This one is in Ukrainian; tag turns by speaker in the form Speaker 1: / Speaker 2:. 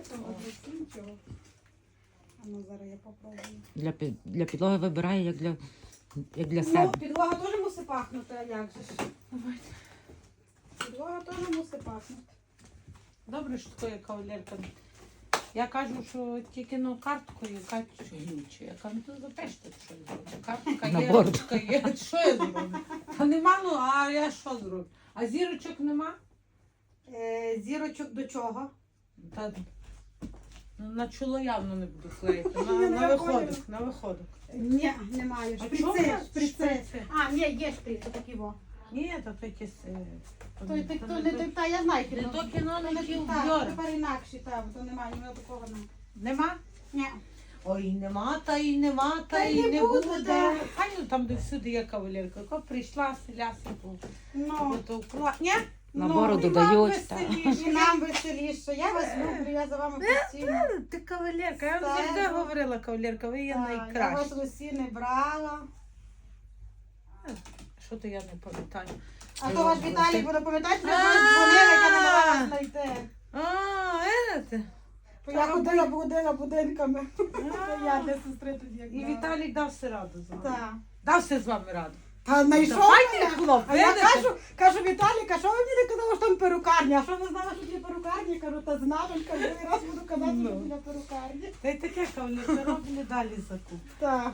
Speaker 1: того нічого. А ну зараз я попробую.
Speaker 2: Для підлоги вибирає, як для себе.
Speaker 1: Ну, підлога теж мусить пахнути, а як же ж? Підлога теж мусить пахнути.
Speaker 3: Добре, що така кавалерка. Я кажу, що тільки карткою, Катю глючу. Я кажу, то запишете щось. Картка
Speaker 2: На
Speaker 3: є,
Speaker 2: борт.
Speaker 3: ручка є. Що я зроблю? Та нема, ну, а я що зроблю? А зірочок нема?
Speaker 1: Зірочок до чого?
Speaker 3: Та, на чоло явно не буду клеїти.
Speaker 1: Я
Speaker 3: На
Speaker 1: не
Speaker 3: виходок, на виходок.
Speaker 1: Ні, немає.
Speaker 3: А
Speaker 1: Шприци,
Speaker 3: чого у вас
Speaker 1: шприци.
Speaker 3: шприци?
Speaker 1: А, ні, є шприц, такі во.
Speaker 3: Ні, то якісь...
Speaker 1: Та я знаю
Speaker 3: Не
Speaker 1: кіно.
Speaker 3: то кіно, не ті
Speaker 1: Так,
Speaker 3: вбьори.
Speaker 1: тепер інакші, так, то немає, ні такого немає.
Speaker 3: Нема?
Speaker 1: Ні.
Speaker 3: Ой, нема, та і нема, та
Speaker 1: й
Speaker 3: і
Speaker 1: не
Speaker 3: не
Speaker 1: буде.
Speaker 3: буде. Хай ну там, де всюди є кавалерка. Яка прийшла, селяся,
Speaker 1: Ну,
Speaker 3: то вкла... Ні?
Speaker 2: На
Speaker 1: ну,
Speaker 2: бороду
Speaker 3: і вам
Speaker 2: дають. так.
Speaker 3: веселіше.
Speaker 1: і нам веселіше. Я вас люблю, я за вами постійно.
Speaker 3: Ти кавалерка, я вам
Speaker 1: Стежу.
Speaker 3: завжди говорила, кавалерка, ви є
Speaker 1: Так, я вас
Speaker 3: найкраща.
Speaker 1: в усі не брала.
Speaker 3: Що то я не пам'ятаю?
Speaker 1: А то ваш Віталій буде пам'ятати, що я дзвонила, яка не могла вас знайти.
Speaker 3: А, це.
Speaker 1: Бо я ходила будинками. Я для сестри тоді як
Speaker 3: І
Speaker 1: брала.
Speaker 3: Віталік дався раду з вами.
Speaker 1: Так.
Speaker 3: Дався з вами раду.
Speaker 1: Та знайшов
Speaker 3: Давайте,
Speaker 1: мене.
Speaker 3: хлоп,
Speaker 1: А я
Speaker 3: видите?
Speaker 1: кажу Віталік, а що ви мені не казали, що там перукарня? А що ви знали, що є перукарня? Кажу, та знала, кажу, раз буду казати, що
Speaker 3: Ну.
Speaker 1: біля перукарні.
Speaker 3: Та й таке, кавалерка, робили далі закуп.
Speaker 1: Так.